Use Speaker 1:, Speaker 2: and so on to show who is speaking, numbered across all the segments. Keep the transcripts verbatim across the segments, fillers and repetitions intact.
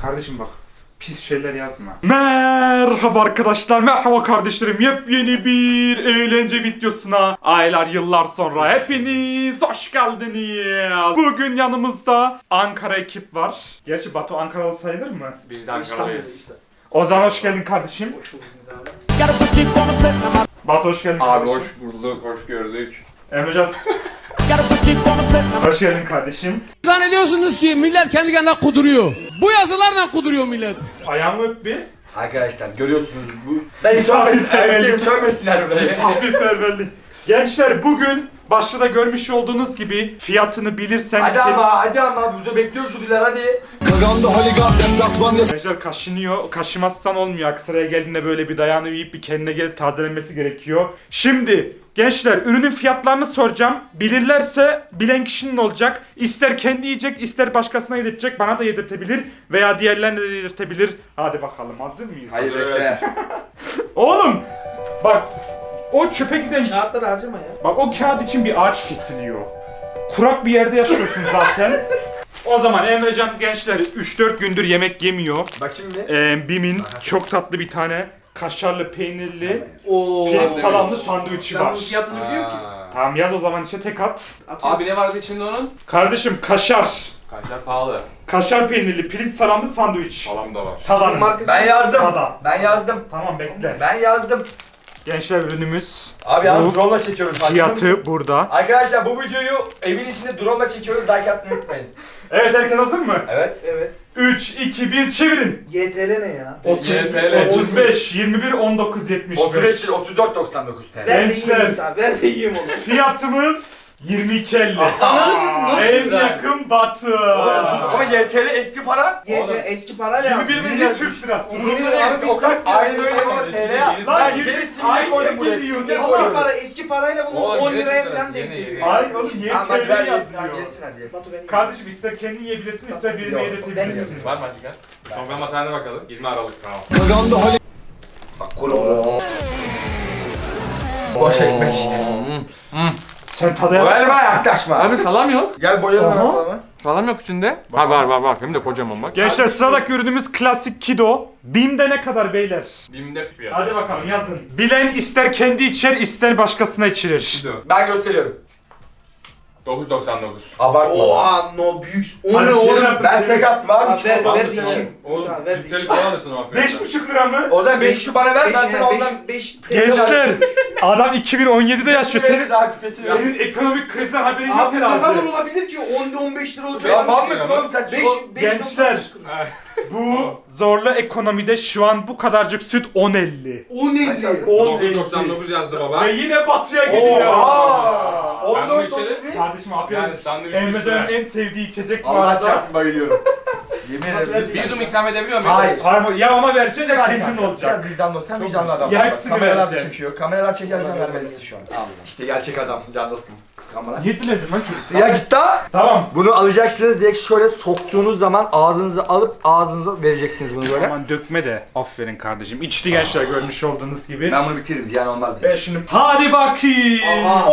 Speaker 1: Kardeşim bak. Pis şeyler yazma. Merhaba arkadaşlar, merhaba kardeşlerim. Yepyeni bir eğlence videosuna aylar yıllar sonra hepiniz hoş geldiniz. Bugün yanımızda Ankara ekip var. Gerçi Batu Ankaralı sayılır mı?
Speaker 2: Biz de Ankara'lıyız.
Speaker 1: O zaman hoş geldin kardeşim.
Speaker 3: Hoş bulduk abi.
Speaker 1: Batu hoş geldin
Speaker 2: Abi
Speaker 1: kardeşim.
Speaker 2: hoş bulduk, hoş gördük.
Speaker 1: Emrecan hoş geldin kardeşim.
Speaker 4: Zannediyorsunuz ki millet kendi kendine kuduruyor. Bu yazılarla kuduruyor millet.
Speaker 1: Ayağımı öp bir.
Speaker 3: Arkadaşlar görüyorsunuz bu. Ben
Speaker 1: Misafirperverlik.
Speaker 3: sövmesinler burayı.
Speaker 1: Misafirperverlik. Gençler bugün başta da görmüş olduğunuz gibi fiyatını bilirseniz...
Speaker 3: Hadi ama hadi ama burada bekliyor şu diler hadi.
Speaker 1: Gençler kaşınıyor. Kaşımazsan olmuyor. Aksaray'a geldiğinde böyle bir dayanı yiyip bir kendine gelip tazelenmesi gerekiyor. Şimdi gençler ürünün fiyatlarını soracağım. Bilirlerse bilen kişinin olacak. İster kendi yiyecek, ister başkasına yedirtecek. Bana da yedirtebilir veya diğerlerine de yedirtebilir. Hadi bakalım, hazır mıyız?
Speaker 3: Hayır
Speaker 2: Evet.
Speaker 3: bekle.
Speaker 1: Oğlum bak, o çöpe giden...
Speaker 5: Kağıtları harcama ya.
Speaker 1: Bak o kağıt için bir ağaç kesiliyor. Kurak bir yerde yaşıyorsun zaten. O zaman Emrecan gençler üç dört gündür yemek yemiyor.
Speaker 3: Bak şimdi.
Speaker 1: Ee, Bim'in çok tatlı bir tane kaşarlı peynirli
Speaker 5: Oo.
Speaker 1: pirinç salamlı sandviçi
Speaker 5: Ben bunun
Speaker 1: var.
Speaker 5: fiyatını biliyorum ki.
Speaker 2: Aa.
Speaker 1: Tamam yaz o zaman içe tek at.
Speaker 5: Atıyorum.
Speaker 2: Abi ne vardı içinde onun?
Speaker 1: Kardeşim kaşar.
Speaker 2: Kaşar pahalı.
Speaker 1: Kaşar peynirli pirinç salamlı sandviç.
Speaker 2: Salam da var.
Speaker 1: Tadan.
Speaker 5: Markası.
Speaker 3: Ben yazdım.
Speaker 1: Tada.
Speaker 3: Ben yazdım.
Speaker 1: Tamam bekle.
Speaker 3: Ben yazdım.
Speaker 1: Gençler ürünümüz.
Speaker 3: Abi yalnız
Speaker 1: Bu
Speaker 3: drone'la çekiyoruz. farkında mısın?
Speaker 1: Fiyatı burada.
Speaker 3: Arkadaşlar bu videoyu evin içinde drone'la çekiyoruz. Like atmayı unutmayın.
Speaker 1: Evet, herkes hazır mı?
Speaker 3: Evet.
Speaker 5: Evet.
Speaker 1: üç, iki, bir çevirin.
Speaker 5: Y T L ne ya?
Speaker 1: otuz,
Speaker 2: Y T L.
Speaker 1: otuz beş, yirmi bir, on dokuz, yetmiş
Speaker 3: otuz beş
Speaker 1: beş.
Speaker 3: lira otuz dört doksan dokuz T L.
Speaker 5: Ver de
Speaker 1: Gençler.
Speaker 5: yiyeyim abi. Ver de yiyeyim onu.
Speaker 1: Fiyatımız yirmi iki elli.
Speaker 5: Ananı satayım, nasıl
Speaker 1: En
Speaker 5: lira?
Speaker 1: yakın Batı.
Speaker 3: Ama Y T L eski para.
Speaker 5: Y T
Speaker 2: Oğlum.
Speaker 5: eski parayla
Speaker 1: yirmi
Speaker 5: yaptım.
Speaker 1: bir milyon Türk lirası.
Speaker 5: Yeni lira abi biz
Speaker 3: O kadar
Speaker 5: Türk
Speaker 3: aynı
Speaker 5: lirası
Speaker 3: öyle ama
Speaker 5: koymadık.
Speaker 3: T L.
Speaker 1: Lan
Speaker 3: Ben
Speaker 1: yirmi-
Speaker 3: gerisini
Speaker 1: Ay,
Speaker 3: koydum buraya.
Speaker 1: geliyor.
Speaker 3: Simge
Speaker 5: Eski
Speaker 3: koydum.
Speaker 5: para, eski parayla bunu
Speaker 2: Oğlum,
Speaker 5: on
Speaker 2: yeni
Speaker 5: liraya
Speaker 2: Türk
Speaker 5: falan
Speaker 2: lirası,
Speaker 5: denk
Speaker 2: yeni,
Speaker 5: geliyor.
Speaker 2: yeni.
Speaker 1: Ay oğlum niye
Speaker 3: Tamam hadi
Speaker 1: T L
Speaker 3: ver
Speaker 1: yazıyor?
Speaker 3: yesin hadi yesin.
Speaker 5: Batu ben
Speaker 1: Kardeşim ister kendin yiyebilirsin, ister birine
Speaker 3: Yok,
Speaker 5: ben
Speaker 1: yedirtebilirsin.
Speaker 5: yiyorum.
Speaker 2: Var mı açık ha? Son tarihine bakalım. yirmi Aralık tamam.
Speaker 3: Bak kuru. Boş ekmek.
Speaker 1: Sen tadaya bak.
Speaker 3: Verme yaklaşma.
Speaker 2: Abi salam yok.
Speaker 3: Gel boyayalım
Speaker 1: Aha.
Speaker 3: aslında.
Speaker 2: Salam yok içinde. Ha var var var. Hem de kocaman bak.
Speaker 1: Gençler sıradaki ürünümüz klasik Kido. Bim'de ne kadar beyler?
Speaker 2: Bim'de fiyat.
Speaker 1: Hadi bakalım yazın. Bilen ister kendi içer, ister başkasına içirir.
Speaker 3: Ben gösteriyorum.
Speaker 2: dokuz doksan dokuz.
Speaker 3: Abartma.
Speaker 5: Oha no büyük. O
Speaker 1: Hadi
Speaker 5: ne
Speaker 1: çevir
Speaker 5: oğlum?
Speaker 1: artık,
Speaker 3: Ben
Speaker 1: çevir.
Speaker 3: tek attım abi.
Speaker 5: Abi ver
Speaker 3: Çikolata
Speaker 5: ver
Speaker 3: almışsın.
Speaker 5: içeyim.
Speaker 2: Oğlum
Speaker 5: Tamam, ver de
Speaker 2: litrelik
Speaker 5: içeyim.
Speaker 2: kola alırsın o affedersin.
Speaker 1: Beş buçuk lira mı?
Speaker 3: O zaman beş şu bana ver ben
Speaker 5: Beş,
Speaker 3: sana
Speaker 5: yani
Speaker 3: ondan...
Speaker 5: beş, beş,
Speaker 1: Gençler, adam iki bin on yedi'de yaşıyor. Senin,
Speaker 3: Veririz abi pipetini
Speaker 1: senin
Speaker 3: veririz.
Speaker 1: ekonomik krizden haberin yok
Speaker 5: Abi ne kadar
Speaker 1: herhalde.
Speaker 5: olabilir ki? on on beş lira olacak.
Speaker 3: Ya mal mısın oğlum sen?
Speaker 5: beş
Speaker 3: Çikolata-
Speaker 5: beş
Speaker 1: Gençler.
Speaker 2: Ha.
Speaker 1: Bu zorlu ekonomide şu an bu kadarcık süt on elli.
Speaker 5: O neydi?
Speaker 1: on
Speaker 2: dokuz doksan dokuz yazdı baba.
Speaker 1: Ve yine batıya geliyor.
Speaker 3: Oha!
Speaker 2: Ben bunu
Speaker 3: on dört
Speaker 2: içerim.
Speaker 3: otuz bir.
Speaker 1: Kardeşim afiyet
Speaker 2: Yani
Speaker 1: olsun.
Speaker 2: sandviç
Speaker 1: Emrecan'ın
Speaker 2: üstüne.
Speaker 1: en sevdiği içecek bu
Speaker 3: Allah
Speaker 1: arada.
Speaker 3: çarpsın bayılıyorum. Yemin
Speaker 5: Hadi
Speaker 3: ederim.
Speaker 5: ver.
Speaker 2: Bir yudum ikram edebiliyor muyum?
Speaker 3: Hayır.
Speaker 1: Hayır, ya ama vereceksin ya
Speaker 3: Ver
Speaker 1: kendin
Speaker 3: kanka,
Speaker 1: olacak.
Speaker 3: Biraz vicdanlı ol. Sen
Speaker 2: Çok
Speaker 3: vicdanlı
Speaker 2: vicdanlı.
Speaker 3: adamsın.
Speaker 1: Ya
Speaker 3: Bak,
Speaker 1: hepsini
Speaker 3: kameralar
Speaker 1: vereceğim.
Speaker 3: çekiyor. Kameralar çekerken vermelisin şu an. İşte gerçek adam. Canlısın. Kıskanmalar.
Speaker 1: Niye diledin lan çocuk?
Speaker 3: Ya git daha.
Speaker 1: Tamam.
Speaker 3: Bunu alacaksınız direkt şöyle soktuğunuz zaman ağzınıza alıp ağzınıza vereceksiniz bunu böyle.
Speaker 1: Aman dökme de. Aferin kardeşim. İçti gençler görmüş olduğunuz gibi.
Speaker 3: Ben bunu bitiririm ziyan olmaz bize.
Speaker 1: Ben şimdi... Hadi bakayım.
Speaker 5: Aha.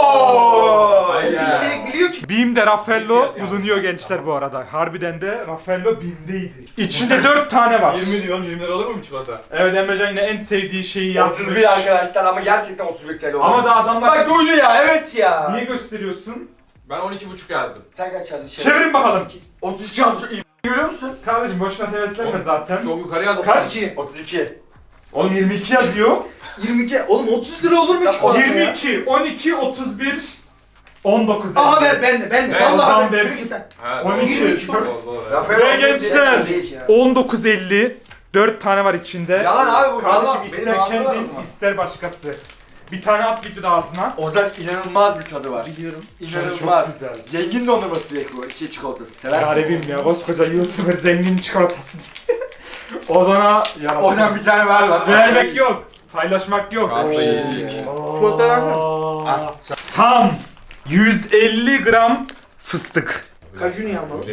Speaker 3: Ooo!
Speaker 5: Üstelik biliyor ki.
Speaker 1: Bim'de Raffaello
Speaker 2: Fiyat yani.
Speaker 1: bulunuyor gençler bu arada. Harbiden de Raffaello Bim'deydi. İçinde dört tane var.
Speaker 2: diyorum yirmi lira olur mu çikolata?
Speaker 1: Evet, Emrecan yine en sevdiği şeyi yazmış.
Speaker 3: otuz bir arkadaşlar ama gerçekten otuz bir T L oldu.
Speaker 1: Ama da adamlar...
Speaker 3: Bak duydu ya evet ya.
Speaker 1: Niye gösteriyorsun?
Speaker 2: Ben on iki buçuk yazdım.
Speaker 3: Sen kaç yazdın?
Speaker 1: Çevirin bakalım.
Speaker 3: otuz iki yazmış. Görüyor musun?
Speaker 1: Kardeşim boşuna heveslenme zaten.
Speaker 2: Çok yukarı yazmış.
Speaker 1: Kaç?
Speaker 3: otuz iki.
Speaker 1: Oğlum yirmi iki yazıyor.
Speaker 5: yirmi iki. Oğlum otuz lira olur mu
Speaker 3: Ya,
Speaker 5: çikolata
Speaker 1: yirmi
Speaker 5: ya?
Speaker 1: iki, on iki, otuz bir, on dokuz.
Speaker 5: Aha ver ben de ben de.
Speaker 2: Ben
Speaker 1: o zaman
Speaker 5: Vallahi
Speaker 1: ver.
Speaker 5: ver. Yürü git lan.
Speaker 2: Ha,
Speaker 1: on iki,
Speaker 2: doğru.
Speaker 5: yirmi iki,
Speaker 2: Doğru, doğru.
Speaker 3: Rafael
Speaker 1: Ve
Speaker 3: Alonso
Speaker 1: gençler,
Speaker 3: değil ya.
Speaker 1: on dokuz elli, dört tane var içinde.
Speaker 3: Yalan abi bu.
Speaker 1: Kardeşim
Speaker 3: yalan.
Speaker 1: ister
Speaker 3: Benim ağzım var
Speaker 1: kendin,
Speaker 3: ama.
Speaker 1: ister başkası. Bir tane at videoda ağzına.
Speaker 3: Ozan inanılmaz bir tadı var.
Speaker 5: Biliyorum.
Speaker 3: İnanılmaz.
Speaker 1: Çok güzel.
Speaker 3: Zengin dondurması direkt bu. Şey çikolatası. Seversin.
Speaker 1: Garibim ya, koskoca YouTuber zengin çikolatası diye. Ozan'a yarasın.
Speaker 3: Ozan bir tane ver lan.
Speaker 1: Vermek yok. Paylaşmak yok.
Speaker 2: Kahve
Speaker 1: Oo.
Speaker 2: yiyecek.
Speaker 5: Çikolata var mı?
Speaker 1: Aa. Tam yüz elli gram fıstık.
Speaker 5: Kaju niye almadın?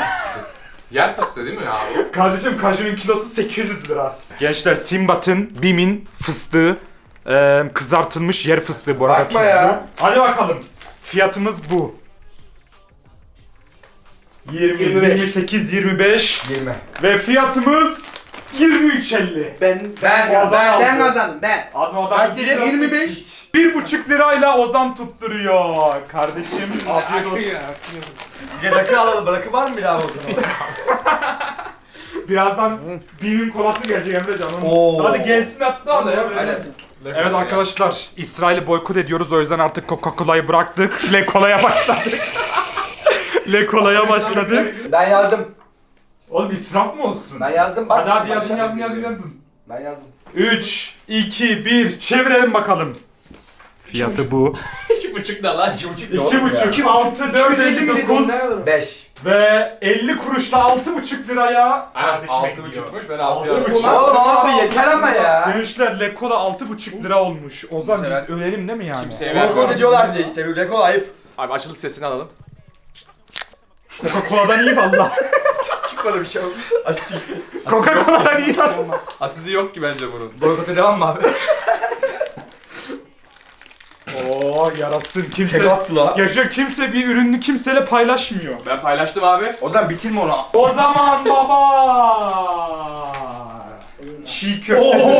Speaker 2: Yer fıstığı değil mi abi?
Speaker 1: Kardeşim kajunun kilosu sekiz yüz lira. Gençler Simbat'ın, Bim'in fıstığı, e, kızartılmış yer fıstığı bu arada.
Speaker 3: Bakma ya.
Speaker 1: Hadi bakalım. Fiyatımız bu. yirmi,
Speaker 5: yirmi beş.
Speaker 1: yirmi sekiz, yirmi beş
Speaker 3: yirmi.
Speaker 1: ve fiyatımız yirmi üç elli.
Speaker 5: Ben
Speaker 3: Ben-
Speaker 5: ben,
Speaker 1: ben-
Speaker 5: ben kazandım ben.
Speaker 1: Adam adam
Speaker 3: Kaç dedi? yirmi beş.
Speaker 1: bir buçuk lirayla Ozan tutturuyor. Kardeşim afiyet olsun.
Speaker 3: Bir de rakı alalım. Rakı var mı bir daha o zaman?
Speaker 1: Birazdan Bim'in kolası gelecek Emrecan. Onu-
Speaker 3: Oo.
Speaker 1: Hadi gelsin hatta.
Speaker 2: Hadi,
Speaker 1: Hadi.
Speaker 3: Aynen.
Speaker 1: Evet arkadaşlar, İsrail'i boykot ediyoruz, o yüzden artık Coca-Cola'yı bıraktık. Le Cola'ya başladık. Le Cola'ya başladık.
Speaker 3: Ben yazdım.
Speaker 1: Oğlum israf mı olsun?
Speaker 3: Ben yazdım bak.
Speaker 1: Hadi hadi
Speaker 3: Bak,
Speaker 1: yazın
Speaker 3: sen-
Speaker 1: yazın yazın yazın.
Speaker 3: Ben yazdım.
Speaker 1: üç, iki, bir, çevirelim bakalım. Fiyatı bu.
Speaker 2: iki buçuk da lan.
Speaker 3: iki buçuk
Speaker 1: iki buçuk, altı, dört,
Speaker 5: iki yüz elli mi dedin?
Speaker 1: dokuz
Speaker 5: Ne kadar?
Speaker 3: beş.
Speaker 1: ve elli kuruşla altı buçuk liraya
Speaker 2: Aynen
Speaker 1: kardeşime
Speaker 2: altı
Speaker 1: gidiyor.
Speaker 2: buçukmuş ben altı
Speaker 1: Altı
Speaker 2: yazdım.
Speaker 1: buçuk.
Speaker 3: Oğlum altı yeter ama ya.
Speaker 1: Gençler Le Cola altı buçuk lira olmuş. Ozan
Speaker 2: Kimse
Speaker 1: biz ölelim değil mi yani?
Speaker 2: Kimseye
Speaker 3: Rekor
Speaker 2: vermem.
Speaker 3: ediyorlar diye işte. Bir rekor ayıp.
Speaker 2: Abi açılış sesini alalım.
Speaker 1: Coca-Cola'dan iyi valla.
Speaker 3: Çıkmadı bir şey oldu. Asil.
Speaker 1: Coca-Cola'dan iyi valla.
Speaker 5: Olmaz.
Speaker 2: Asidi yok ki bence bunun.
Speaker 3: Boykota devam mı abi?
Speaker 1: Oo yarasın kimse.
Speaker 3: Tek attı la.
Speaker 1: Yaşa kimse bir ürünü kimseyle paylaşmıyor.
Speaker 2: Ben paylaştım abi.
Speaker 3: O zaman bitirme onu.
Speaker 1: O zaman baba. Çiğ köfte.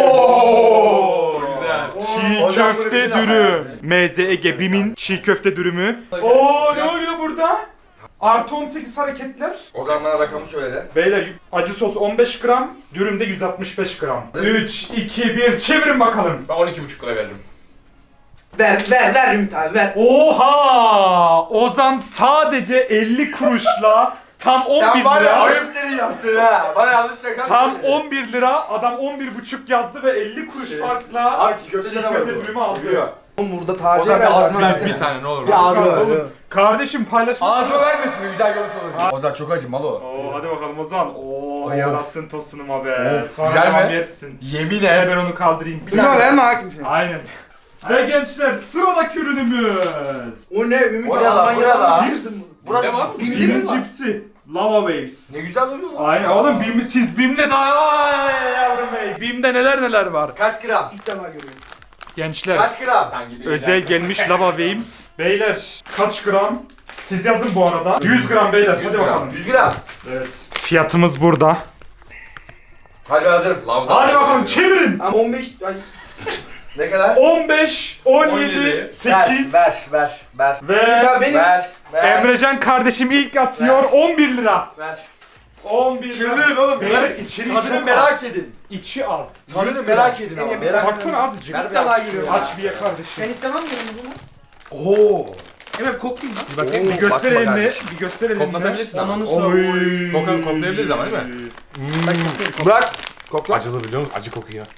Speaker 3: Oo,
Speaker 2: güzel.
Speaker 1: Çiğ
Speaker 3: O zaman bunu
Speaker 1: köfte
Speaker 3: bilin ama
Speaker 1: dürüm.
Speaker 3: yani.
Speaker 1: Meze Ege Bim'in çiğ köfte dürümü. Oo ne oluyor burada? Artı on sekiz hareketler.
Speaker 3: O zaman bana rakamı söyle.
Speaker 1: Beyler acı sos on beş gram, dürümde yüz altmış beş gram. üç, iki, bir çevirin bakalım.
Speaker 2: Ben on iki buçuk lira veririm.
Speaker 5: Ver ver ver Ümit abi ver.
Speaker 1: Oha! Ozan sadece elli kuruşla tam on bir
Speaker 3: Sen var ya
Speaker 1: lira.
Speaker 3: ayıp senin yaptın ha. Bana yanlış rakam
Speaker 1: Tam
Speaker 3: söyle.
Speaker 1: on bir lira, adam on bir buçuk yazdı ve elli kuruş farkla
Speaker 3: Abi çiğ köfte
Speaker 1: çiğ
Speaker 3: canavarı
Speaker 1: köfte
Speaker 3: bu.
Speaker 1: dürümü aldı.
Speaker 3: Seviyor.
Speaker 5: Oğlum burada
Speaker 3: O
Speaker 5: taze
Speaker 3: zaman
Speaker 5: ver.
Speaker 3: bir ağzını
Speaker 5: ağzına
Speaker 3: versene.
Speaker 2: Bir tane ne olur mu?
Speaker 3: Bir ağzı ver.
Speaker 1: Oğlum, kardeşim paylaşma.
Speaker 3: Ağzıma vermesin mi? Güzel görüntü olur. O zaman çok acı mal o.
Speaker 1: Oo hadi bakalım Ozan. Oo
Speaker 3: Of.
Speaker 1: yarasın tosunuma be.
Speaker 3: Of,
Speaker 1: Sonra
Speaker 3: güzel
Speaker 1: devam
Speaker 3: mi?
Speaker 1: yersin.
Speaker 3: Yemin
Speaker 1: Gel
Speaker 3: et.
Speaker 1: ben onu kaldırayım.
Speaker 5: Buna verme hakim şimdi.
Speaker 1: Aynen. Ve gençler sıradaki ürünümüz.
Speaker 5: O ne Ümit
Speaker 3: O
Speaker 5: abi
Speaker 3: ne lan? Bu ne
Speaker 5: Almanya'dan
Speaker 3: lan?
Speaker 5: mı çıktın?
Speaker 3: Burası
Speaker 2: Ne var?
Speaker 5: Bim'de
Speaker 1: Bim'in
Speaker 5: mi var?
Speaker 1: cipsi. Lava Waves.
Speaker 3: ne güzel duruyor lan.
Speaker 1: Aynen oğlum Bim, siz Bim'le daha yavrum bey. Bim'de neler neler var.
Speaker 3: Kaç gram?
Speaker 5: İlk defa görüyorum.
Speaker 1: Gençler
Speaker 3: Kaç gram?
Speaker 2: Sen gibi
Speaker 1: özel gelmiş Lava Waves. Beyler kaç gram? Siz yazın bu arada. yüz gram beyler.
Speaker 2: yüz
Speaker 1: Hadi
Speaker 2: gram.
Speaker 1: bakalım.
Speaker 3: yüz gram.
Speaker 1: Evet. Fiyatımız burada.
Speaker 3: Hadi ben hazırım.
Speaker 2: Lavdan
Speaker 1: Hadi bakalım
Speaker 2: veriyorum.
Speaker 1: çevirin.
Speaker 5: Ama on beş ay
Speaker 3: Ne kadar?
Speaker 1: on beş, on
Speaker 2: on
Speaker 1: yedi,
Speaker 2: yedi.
Speaker 1: sekiz
Speaker 3: Ver, ver, ver.
Speaker 1: ve
Speaker 5: Ya benim
Speaker 3: Ver, ver.
Speaker 1: Emrecan kardeşim ilk atıyor
Speaker 3: Ver.
Speaker 1: on bir lira.
Speaker 3: Ver.
Speaker 1: on bir lira.
Speaker 3: Çıldırın oğlum.
Speaker 1: Beyler
Speaker 3: Merak,
Speaker 1: içeri
Speaker 3: tadını
Speaker 1: çok
Speaker 3: merak
Speaker 1: az.
Speaker 3: edin.
Speaker 1: İçi az.
Speaker 3: Tadını
Speaker 1: yüz
Speaker 3: merak
Speaker 1: gram.
Speaker 3: edin ama.
Speaker 5: Enge,
Speaker 3: Merak
Speaker 1: Baksana azıcık.
Speaker 3: Ver
Speaker 5: ilk defa
Speaker 3: biraz.
Speaker 5: görüyorum.
Speaker 1: Aç bir ye kardeşim.
Speaker 5: Sen ilk defa mı görüyorsun bunu?
Speaker 3: Oo.
Speaker 5: Hemen koklayayım lan.
Speaker 2: Bir bakayım.
Speaker 1: Bir göster
Speaker 3: bakma
Speaker 1: elini.
Speaker 3: kardeşim.
Speaker 1: Bir göster elini.
Speaker 2: Koklatabilirsin ama.
Speaker 5: Ananı sor.
Speaker 1: Oy.
Speaker 2: Koka- koklayabiliriz ama değil mi?
Speaker 3: Bırak. Kokla.
Speaker 2: Acılı biliyor musun? Acı kokuyor.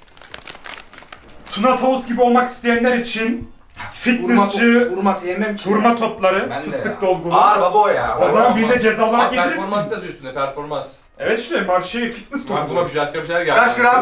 Speaker 1: Tuna Tavus gibi olmak isteyenler için
Speaker 5: Vurma,
Speaker 1: fitnessçi
Speaker 5: vurma sevmem ki.
Speaker 1: hurma topları,
Speaker 3: Ben de
Speaker 1: fıstık
Speaker 3: ya.
Speaker 1: dolgulu.
Speaker 3: Ağır baba o ya.
Speaker 1: O zaman birine
Speaker 2: Olmaz.
Speaker 1: ceza olarak
Speaker 2: Abi performans
Speaker 1: getirirsin.
Speaker 2: yazıyor üstünde performans.
Speaker 1: Evet işte marşe fitness
Speaker 2: Aklıma
Speaker 1: dolgulu.
Speaker 2: bir şeyler bir şeyler geldi.
Speaker 3: Kaç gram?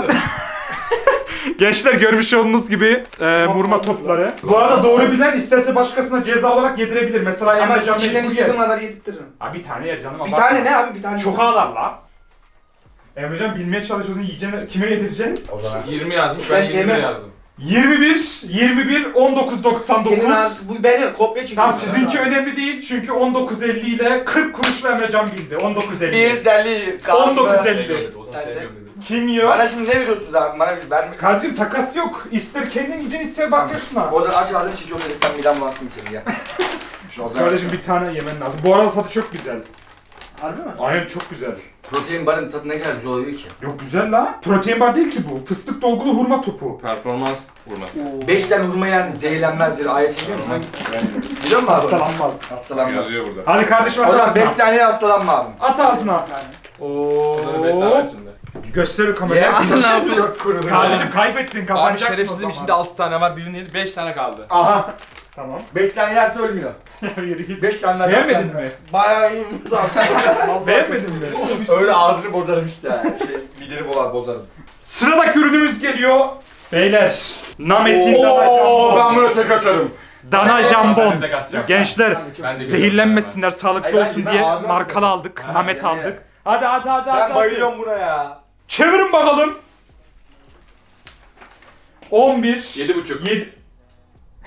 Speaker 1: Gençler görmüş olduğunuz gibi e, vurma topları. Bu arada doğru bilen isterse başkasına ceza olarak yedirebilir. Mesela
Speaker 5: Ama
Speaker 1: Emrecan
Speaker 5: içinden
Speaker 1: mecbur
Speaker 5: istediğim
Speaker 1: yer.
Speaker 5: kadar yedirtirim.
Speaker 1: Ha bir tane yer canım.
Speaker 5: Bir
Speaker 1: abartma.
Speaker 5: tane ne abi bir tane.
Speaker 1: Çok ağlar la. Emrecan bilmeye çalışıyorsun yiyeceğini kime yedireceksin?
Speaker 3: O zaman.
Speaker 2: yirmi yazmış
Speaker 5: Ben
Speaker 2: ben yirmi
Speaker 5: sevmem.
Speaker 2: yazdım.
Speaker 1: yirmi bir, yirmi bir, on dokuz doksan dokuz.
Speaker 5: Senin ağzı, bu beni kopya çekiyor.
Speaker 1: Tamam sizinki önemli değil çünkü on dokuz elli ile kırk kuruşla Emrecan bildi. on dokuz elli.
Speaker 3: Bir deli.
Speaker 1: on dokuz
Speaker 3: kaldı.
Speaker 1: elli.
Speaker 2: Sevmedim, onu
Speaker 3: Sen
Speaker 2: sevmiyorum dedim.
Speaker 1: Kim yiyor?
Speaker 3: Bana şimdi ne veriyorsunuz abi? Bana bir verme.
Speaker 1: Kardeşim takas yok. İster kendin yiyeceksin ister basıyor şuna.
Speaker 3: O zaman aç ağzını çiğ köfte sen midem bulansın senin ya. Şu o zaman.
Speaker 1: Kardeşim bir tane yemen lazım. Bu arada tadı çok güzel.
Speaker 5: Harbi mi?
Speaker 1: Aynen çok güzel.
Speaker 3: Protein barın tadı ne kadar güzel oluyor ki.
Speaker 1: Yok güzel la. Protein bar değil ki bu. Fıstık dolgulu hurma topu.
Speaker 2: Performans vurması.
Speaker 3: Beş tane hurma yani zehirlenmezdir. Ayet biliyor musun? Biliyor musun abi?
Speaker 1: Hastalanmaz.
Speaker 3: Hastalanmaz.
Speaker 2: Yazıyor burada.
Speaker 1: Hadi kardeşim
Speaker 3: O
Speaker 1: at
Speaker 3: zaman beş
Speaker 1: ağzına.
Speaker 3: tane hastalanma abi.
Speaker 1: At ağzına.
Speaker 2: Burada da beş tane var
Speaker 1: Oo.
Speaker 2: içinde.
Speaker 1: Göster kameraya.
Speaker 3: Ya çok kurudu.
Speaker 1: Kardeşim kaybettin
Speaker 2: Abi
Speaker 1: kazanacaksın
Speaker 2: şerefsizim
Speaker 1: o
Speaker 2: içinde
Speaker 1: zaman.
Speaker 2: altı tane var birini yedi beş tane kaldı.
Speaker 3: Aha.
Speaker 1: Tamam.
Speaker 3: Beş tane yerse ölmüyor.
Speaker 1: Ya yürü git.
Speaker 3: Beş tane daha.
Speaker 1: Beğenmedin mi?
Speaker 5: Bayağı iyi.
Speaker 1: Beğenmedin mi?
Speaker 3: Öyle ağzını bozarım işte. Şey, mideni boğar bozarım.
Speaker 1: Sıradaki ürünümüz geliyor. Beyler. Namet'in dana
Speaker 3: Oo, ben
Speaker 1: jambon.
Speaker 3: bunu tek atarım.
Speaker 1: Dana jambon.
Speaker 2: Ben de tek atacağım.
Speaker 1: Gençler
Speaker 2: Ben de
Speaker 1: zehirlenmesinler, sağlıklı
Speaker 3: Hayır,
Speaker 1: olsun
Speaker 3: ben
Speaker 1: diye
Speaker 3: ağzıma
Speaker 1: markalı
Speaker 3: atıyorum.
Speaker 1: aldık.
Speaker 3: Ha,
Speaker 1: Namet
Speaker 3: yemin
Speaker 1: aldık. Hadi hadi hadi hadi.
Speaker 3: Ben bayılıyorum buna ya.
Speaker 1: Çevirin bakalım. on bir.
Speaker 2: Yedi buçuk.
Speaker 1: yedi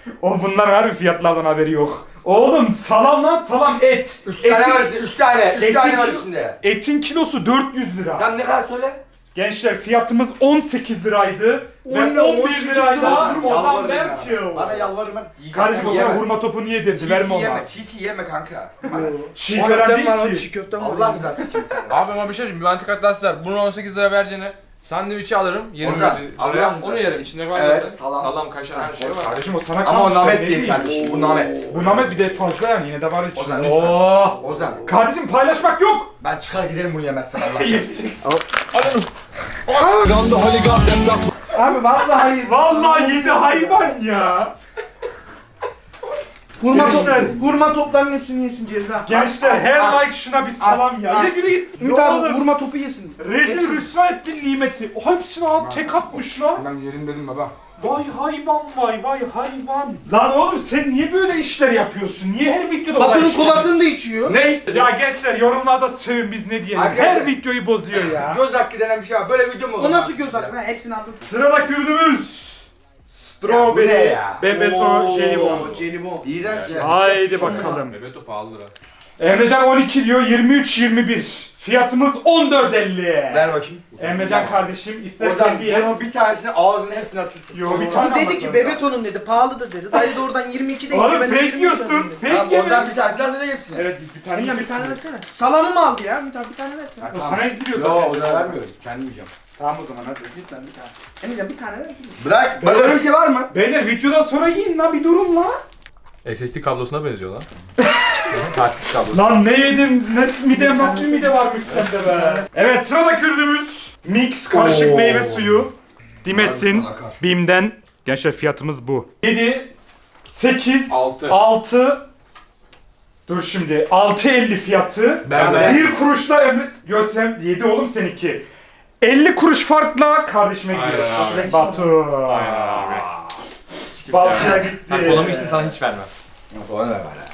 Speaker 1: O bunlar harbi fiyatlardan haberi yok. Oğlum salam lan salam et.
Speaker 3: Üç tane
Speaker 1: Etin-
Speaker 3: var içinde. Üç tane. Üç
Speaker 1: etin
Speaker 3: tane var
Speaker 1: kilo-
Speaker 3: içinde.
Speaker 1: Etin kilosu dört yüz lira.
Speaker 3: Tam ne kadar söyle?
Speaker 1: Gençler fiyatımız on sekiz liraydı. Ve
Speaker 5: On lira,
Speaker 1: on
Speaker 5: on
Speaker 1: bir
Speaker 5: sekiz
Speaker 1: lirayla
Speaker 5: lira.
Speaker 1: Ozan
Speaker 3: Yalvarırım
Speaker 1: Berkil.
Speaker 3: Bana yalvarırım ben. Yiyeceğim,
Speaker 1: Kardeşim
Speaker 3: sen
Speaker 1: o zaman
Speaker 3: yiyemezsin.
Speaker 1: hurma topunu yedirdi.
Speaker 3: Çiğ
Speaker 1: Verme
Speaker 3: çiğ
Speaker 1: ona.
Speaker 3: yeme. Çiğ çiğ yeme kanka. Bana.
Speaker 1: Çiğ falan
Speaker 5: Köftem var
Speaker 1: değil
Speaker 5: lan,
Speaker 1: ki.
Speaker 5: çiğ köftem var.
Speaker 3: Allah rızası için sen.
Speaker 2: Abi ama bir şey söyleyeyim. Bir antikot var. Bunu on sekiz lira vereceğine sandviçi alırım. yirmi
Speaker 3: Ozan,
Speaker 2: lira.
Speaker 3: Allah
Speaker 2: Onu
Speaker 3: rızası
Speaker 2: yerim.
Speaker 3: için.
Speaker 2: İçinde var
Speaker 3: Evet,
Speaker 2: zaten.
Speaker 3: salam.
Speaker 2: Salam, kaşar her şey var.
Speaker 1: Kardeşim o sana
Speaker 3: Ama
Speaker 1: kalmış.
Speaker 3: o namet
Speaker 1: ne
Speaker 3: değil
Speaker 1: diyeyim?
Speaker 3: kardeşim. Bu namet.
Speaker 1: Bu namet bir de fazla yani yine de var
Speaker 3: Ozan,
Speaker 1: içinde.
Speaker 3: lütfen.
Speaker 1: Oo.
Speaker 3: Ozan.
Speaker 1: Kardeşim paylaşmak yok.
Speaker 3: Ben çıkar giderim bunu yemezsen Allah aşkına.
Speaker 1: Yiyeceksin.
Speaker 5: Abi vallahi hayır.
Speaker 1: Vallahi yedi hayvan ya.
Speaker 5: Hurma,
Speaker 1: Gençler.
Speaker 5: top, hurma toplarının hepsini yesin ceza.
Speaker 1: Gençler
Speaker 5: Al,
Speaker 1: her
Speaker 5: al,
Speaker 1: like şuna bir salam ya.
Speaker 5: al.
Speaker 1: Yürü yürü git.
Speaker 5: Ümit
Speaker 1: Ne
Speaker 5: abi
Speaker 1: olur.
Speaker 5: hurma topu yesin.
Speaker 1: Rezil
Speaker 5: Hepsini.
Speaker 1: rüsva ettin nimeti. O hepsini al tek atmış lan.
Speaker 3: Ben yerim dedim baba.
Speaker 1: Vay hayvan vay vay hayvan. Lan oğlum sen niye böyle işler yapıyorsun? Niye her videoda böyle
Speaker 5: Batu'nun
Speaker 1: işler-
Speaker 5: kolasını da içiyor.
Speaker 3: Ne?
Speaker 1: Ya gençler yorumlarda sövün biz ne diyelim.
Speaker 3: Arkadaşlar-
Speaker 1: Her videoyu bozuyor ya.
Speaker 3: Göz hakkı denen bir şey var. Böyle video mu olur?
Speaker 5: O nasıl göz hakkı? Ha, hepsini aldın.
Speaker 1: Sıradaki ürünümüz.
Speaker 3: Ya bu ne
Speaker 1: Strawberry
Speaker 3: ya?
Speaker 1: Bebeto jelibon.
Speaker 5: Oo, jelibon.
Speaker 3: İğrenç ya.
Speaker 1: Haydi bakalım.
Speaker 2: Bebeto pahalı lira.
Speaker 1: Emrecan on iki diyor, yirmi üç yirmi bir. Fiyatımız on dört elli.
Speaker 3: Ver bakayım.
Speaker 1: Emrecan kardeşim ister
Speaker 3: Ozan
Speaker 1: kendi ye.
Speaker 3: bunun bir tanesini ağzının hepsine at üstüne.
Speaker 1: Yo, bir
Speaker 5: Bu
Speaker 1: tane
Speaker 5: dedi
Speaker 1: almak
Speaker 5: ki
Speaker 1: zorunda.
Speaker 5: Bebeto'nun dedi pahalıdır dedi. Dayı da oradan yirmi iki de
Speaker 1: Oğlum
Speaker 5: ben de
Speaker 1: fake
Speaker 5: yirmi üç
Speaker 1: yiyorsun.
Speaker 5: aldım dedi.
Speaker 1: Fake
Speaker 3: Tamam
Speaker 1: yemin.
Speaker 3: oradan bir tanesini hazırla hepsini.
Speaker 1: Evet bir tane
Speaker 5: Emrecan bir
Speaker 1: yiyeceksin.
Speaker 5: tane versene. Salamı mı aldı ya? Ümit abi bir tane versene.
Speaker 3: Ha,
Speaker 1: O
Speaker 3: tamam.
Speaker 1: sana gidiyor
Speaker 3: Yo
Speaker 1: zaten.
Speaker 3: o da vermiyorum. Kendim yiyeceğim.
Speaker 1: Tamam o zaman hadi.
Speaker 5: Lütfen bir tane. Emrecan bir tane ver.
Speaker 3: Bırak. Bak öyle bir şey var mı?
Speaker 1: Beyler videodan sonra yiyin lan bir durun lan.
Speaker 2: S S D kablosuna benziyor lan. Taktik kablosu.
Speaker 1: Lan ne yedim? Ne mide nasıl bir mide varmış sende be. Evet sıradaki ürünümüz Mix karışık
Speaker 3: Oo.
Speaker 1: meyve suyu. Dimesin
Speaker 3: Akar, akar.
Speaker 1: Bim'den. Gençler fiyatımız bu. yedi sekiz
Speaker 2: Altı.
Speaker 1: altı Dur şimdi altı elli fiyatı.
Speaker 3: Ben
Speaker 1: Yani
Speaker 3: de.
Speaker 1: bir kuruşla Emre Görsem yedi oğlum seninki. elli kuruş farkla kardeşime
Speaker 2: Aynen
Speaker 1: gidiyor.
Speaker 2: abi.
Speaker 1: Batu.
Speaker 2: Aynen abi.
Speaker 1: Batu'ya gitti.
Speaker 2: Sen kolamı içtin sana hiç vermem.
Speaker 3: Ona ne var ya?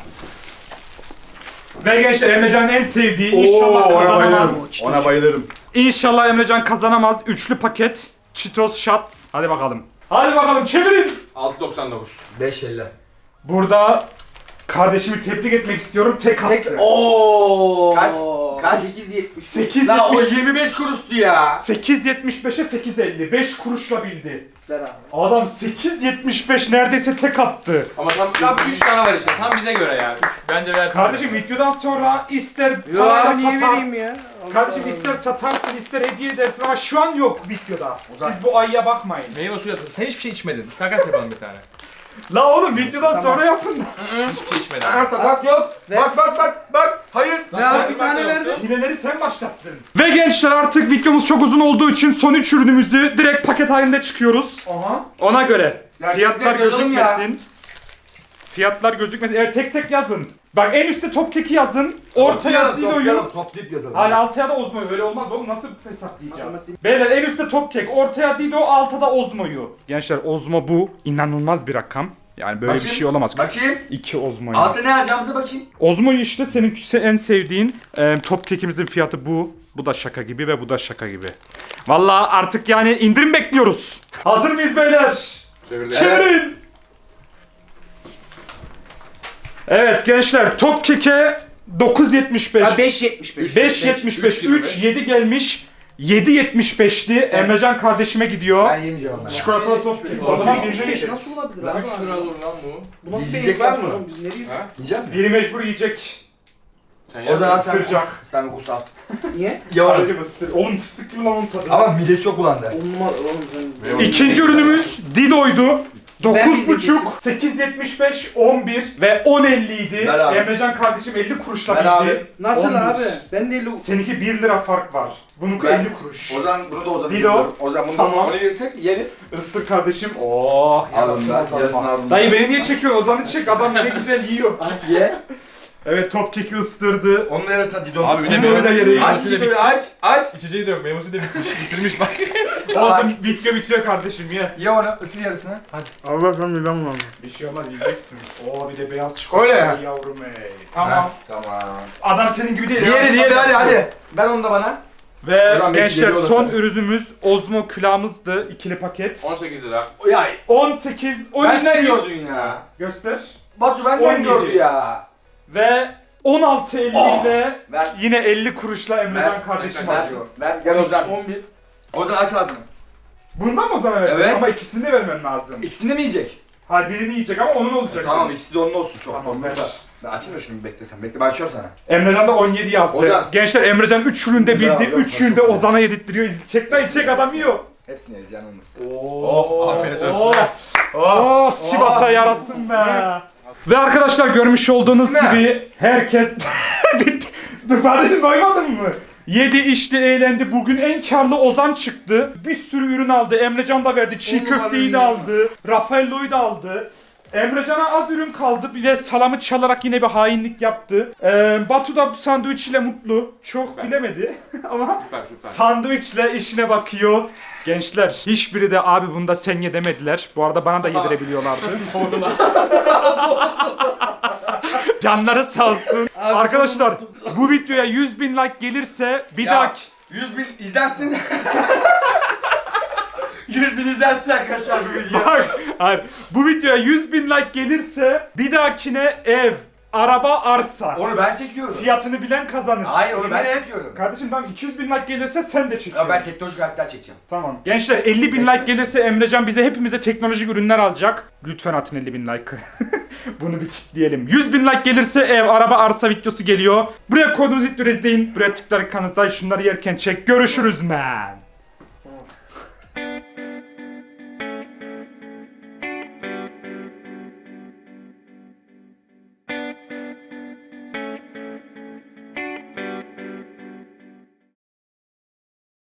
Speaker 1: Ve gençler Emrecan'ın en sevdiği inşallah kazanamaz.
Speaker 3: Ona bayılırım.
Speaker 1: İnşallah Emrecan kazanamaz. Üçlü paket Cheetos Shots. Hadi bakalım. Hadi bakalım çevirin.
Speaker 2: altı doksan dokuz.
Speaker 3: beş elli.
Speaker 1: Burada kardeşimi tebrik etmek istiyorum. Tek attı.
Speaker 5: Tek ooo.
Speaker 3: Kaç? Kaç?
Speaker 5: sekiz yetmiş.
Speaker 1: sekiz
Speaker 3: La o
Speaker 1: yetmiş
Speaker 3: yirmi beş kuruştu ya.
Speaker 1: sekiz yetmiş beşe sekiz elli. beş kuruşla bildi.
Speaker 5: Ver abi.
Speaker 1: Adam sekiz yetmiş beş neredeyse tek attı.
Speaker 2: Ama tam, tam üç tane var işte. Tam bize göre yani. Üç. Bence versin.
Speaker 1: Kardeşim videodan sonra ister
Speaker 5: Yo
Speaker 1: parayla
Speaker 5: abi niye
Speaker 1: satar.
Speaker 5: vereyim ya? Allah
Speaker 1: Kardeşim
Speaker 5: Allah.
Speaker 1: ister satarsın ister hediye edersin ama şu an yok videoda. Siz bu ayıya bakmayın.
Speaker 2: Meyve suyu atın. Sen hiçbir şey içmedin. Takas yapalım bir tane.
Speaker 1: La oğlum videodan sonra yapın.
Speaker 2: Hiçbir şey içmedin.
Speaker 3: Bak bak yok.
Speaker 5: Ver.
Speaker 3: Bak bak bak bak. Hayır.
Speaker 5: Ne abi bir tane verdi.
Speaker 1: Hileleri sen başlattın. Ve gençler artık videomuz çok uzun olduğu için son üç ürünümüzü direkt paket halinde çıkıyoruz.
Speaker 5: Aha.
Speaker 1: Ona göre
Speaker 3: Ya
Speaker 1: fiyatlar
Speaker 3: tek tek yazalım ya.
Speaker 1: gözükmesin. Fiyatlar gözükmesin. Evet tek tek yazın. Bak en üstte top keki yazın. Ortaya Dido'yu.
Speaker 3: Toplayalım, toplayıp yazalım.
Speaker 1: Hala altıya da Ozmo'yu. Öyle olmaz oğlum. Nasıl hesaplayacağız? Beyler en üstte top kek. Ortaya Dido, altta da Ozmo'yu. Gençler Ozmo bu. İnanılmaz bir rakam. Yani böyle
Speaker 3: Bakayım.
Speaker 1: bir şey olamaz.
Speaker 3: Bakayım.
Speaker 1: İki Ozmo'yu.
Speaker 3: Altı ne alacağımıza bakayım.
Speaker 1: Ozmo'yu işte senin en sevdiğin e, top kekimizin fiyatı bu. Bu da şaka gibi ve bu da şaka gibi. Vallahi artık yani indirim bekliyoruz. Hazır mıyız beyler?
Speaker 2: Çevirdik.
Speaker 1: Çevirin. Evet gençler top keke dokuz yetmiş beş.
Speaker 5: Ha beş yetmiş beş.
Speaker 1: beş yetmiş beş. üç yedi gelmiş. yedi yetmiş beşti. Emrecan kardeşime gidiyor.
Speaker 3: Ben yemeyeceğim onları.
Speaker 1: Çikolatalı top kek. O zaman
Speaker 5: yetmiş
Speaker 1: birini
Speaker 5: beş
Speaker 1: yiyecek.
Speaker 5: nasıl olabilir abi?
Speaker 2: üç lira olur lan bu.
Speaker 5: Bu nasıl bir
Speaker 3: Yiyecek var
Speaker 5: enflasyon
Speaker 3: mı?
Speaker 5: oğlum? Biz nereye gidiyoruz?
Speaker 3: Yiyecek misin?
Speaker 1: Biri mecbur yiyecek.
Speaker 2: Sen
Speaker 3: O zaman
Speaker 2: yap.
Speaker 3: sen kus.
Speaker 1: ısıracak.
Speaker 3: Sen kus al.
Speaker 5: Niye?
Speaker 3: Yavaş.
Speaker 1: Aracı ısır. Oğlum fıstık gibi lan onun tadı.
Speaker 3: Ama mide çok bulandı.
Speaker 5: Olmaz oğlum sen.
Speaker 1: İkinci ürünümüz Dido'ydu.
Speaker 5: Ben
Speaker 1: dokuz
Speaker 5: bildim
Speaker 1: buçuk, sekiz yetmiş beş, on bir ve on elli idi.
Speaker 3: Ver abi.
Speaker 1: Emrecan kardeşim elli kuruşla
Speaker 3: Ver
Speaker 1: bildi.
Speaker 3: abi.
Speaker 5: Nasıl
Speaker 1: on bir.
Speaker 5: abi? Ben de elli...
Speaker 1: Seninki bir lira fark var. Bununki
Speaker 3: Ver.
Speaker 1: elli kuruş.
Speaker 3: Ozan bunu da Ozan'ı
Speaker 1: Dido.
Speaker 3: yiyorum. Ozan bunu
Speaker 1: Tamam.
Speaker 3: onu yersek yiyelim.
Speaker 1: Isır kardeşim. Oh,
Speaker 3: Alın da,
Speaker 1: yarasın
Speaker 3: yarısını
Speaker 1: Ozan'a.
Speaker 3: alın.
Speaker 1: Dayı beni niye çekiyorsun? Ozan'ı çek. Adam ne güzel yiyor.
Speaker 3: Aç ye.
Speaker 1: Evet top keki ısırdı.
Speaker 3: Onun arasında Didon.
Speaker 2: Abi bir de
Speaker 1: Dido'yu da yere
Speaker 3: Aç
Speaker 2: Meyvesi de
Speaker 3: Dido'yu
Speaker 2: bitmiş.
Speaker 3: aç. Aç.
Speaker 2: İçeceği de yok. Meyvesi de bitmiş. Bitirmiş bak.
Speaker 1: Ozan video bitiyor kardeşim ye.
Speaker 3: Ye onu. Isır yarısını. Hadi.
Speaker 5: Allah sen midem var.
Speaker 1: Bir şey olmaz yiyeceksin. Oo bir de beyaz çikolata.
Speaker 3: Öyle ya.
Speaker 1: Yavrum ey. Tamam.
Speaker 3: Heh, Tamam.
Speaker 1: Adam senin gibi değil.
Speaker 3: Diğeri diğeri hadi hadi. Ver onu da bana.
Speaker 1: Ve
Speaker 3: Ulan belki
Speaker 1: gençler
Speaker 3: geliyor
Speaker 1: son
Speaker 3: olursa.
Speaker 1: ürünümüz Ozmo külahımızdı. İkili paket.
Speaker 2: on sekiz lira.
Speaker 3: Ya
Speaker 1: on sekiz, on iki.
Speaker 3: benden gördün ya.
Speaker 1: Göster.
Speaker 3: Batu
Speaker 1: on
Speaker 3: benden
Speaker 1: yedi.
Speaker 3: gördü ya.
Speaker 1: Ve on altı elli
Speaker 3: Oh!
Speaker 1: ile
Speaker 3: Ver.
Speaker 1: yine elli kuruşla Emrecan
Speaker 3: Ver.
Speaker 1: kardeşim
Speaker 3: Ver.
Speaker 1: alıyor.
Speaker 3: Ver gel Ozan.
Speaker 5: on bir.
Speaker 3: Ozan aç ağzını.
Speaker 1: Bundan mı o zaman vereceksin?
Speaker 3: Evet.
Speaker 1: Ama ikisini de vermen lazım.
Speaker 3: İkisini de mi yiyecek?
Speaker 1: Hayır birini yiyecek ama onun olacak.
Speaker 3: Tamam ikisi de onun olsun çok.
Speaker 1: Tamam,
Speaker 3: Tamam,
Speaker 1: ver.
Speaker 3: Ben açayım da şunu bir beklesen. Bekle ben açıyorum sana.
Speaker 1: Emrecan da on yedi yazdı.
Speaker 3: Ozan.
Speaker 1: Gençler Emrecan üç üründe
Speaker 3: Güzel
Speaker 1: bildi,
Speaker 3: abi,
Speaker 1: üç
Speaker 3: çok
Speaker 1: üründe
Speaker 3: güzel.
Speaker 1: Ozan'a yedirttiriyor. İz- Çek lan çek adam yiyor.
Speaker 3: Hepsini yeriz yanılmaz.
Speaker 1: Oh,
Speaker 2: afiyet olsun.
Speaker 1: Oh, oh, Sivas'a yarasın be. Ve arkadaşlar görmüş olduğunuz
Speaker 3: Ne?
Speaker 1: gibi herkes... Bitti. Dur kardeşim doymadın mı? Yedi, içti, eğlendi. Bugün en karlı Ozan çıktı. Bir sürü ürün aldı. Emrecan da verdi. Çiğ
Speaker 5: On
Speaker 1: köfteyi de
Speaker 5: numara
Speaker 1: aldı. Raffaello'yu da aldı. Emrecan'a az ürün kaldı. Bir de salamı çalarak yine bir hainlik yaptı. Ee, Batu da sandviçle mutlu. Çok
Speaker 2: Süper.
Speaker 1: bilemedi ama
Speaker 2: Süper süper.
Speaker 1: sandviçle işine bakıyor. Gençler hiçbiri de abi bunda sen ye demediler. Bu arada bana da yedirebiliyorlardı. Canları sağ olsun. Arkadaşlar bu videoya yüz bin like gelirse bir
Speaker 3: Ya.
Speaker 1: dahaki...
Speaker 3: yüz bin izlensin. yüz bin izlensin arkadaşlar bu video.
Speaker 1: Bak, hayır. Bu videoya yüz bin like gelirse bir dahakine ev, araba, arsa.
Speaker 3: Onu ben çekiyorum.
Speaker 1: Fiyatını bilen kazanır.
Speaker 3: Hayır onu ben
Speaker 5: Yemin et.
Speaker 3: çekiyorum.
Speaker 1: Kardeşim tamam iki yüz bin like gelirse sen de çekiyorsun.
Speaker 3: Ya ben teknolojik aletler çekeceğim.
Speaker 1: Tamam. Gençler elli bin like gelirse Emrecan bize hepimize teknolojik ürünler alacak. Lütfen atın elli bin like'ı. Bunu bir kitleyelim. yüz bin like gelirse ev, araba, arsa videosu geliyor. Buraya koyduğunuz videoyu izleyin. Buraya tıklayarak kanıtlayın. Şunları yerken çek. Görüşürüz man.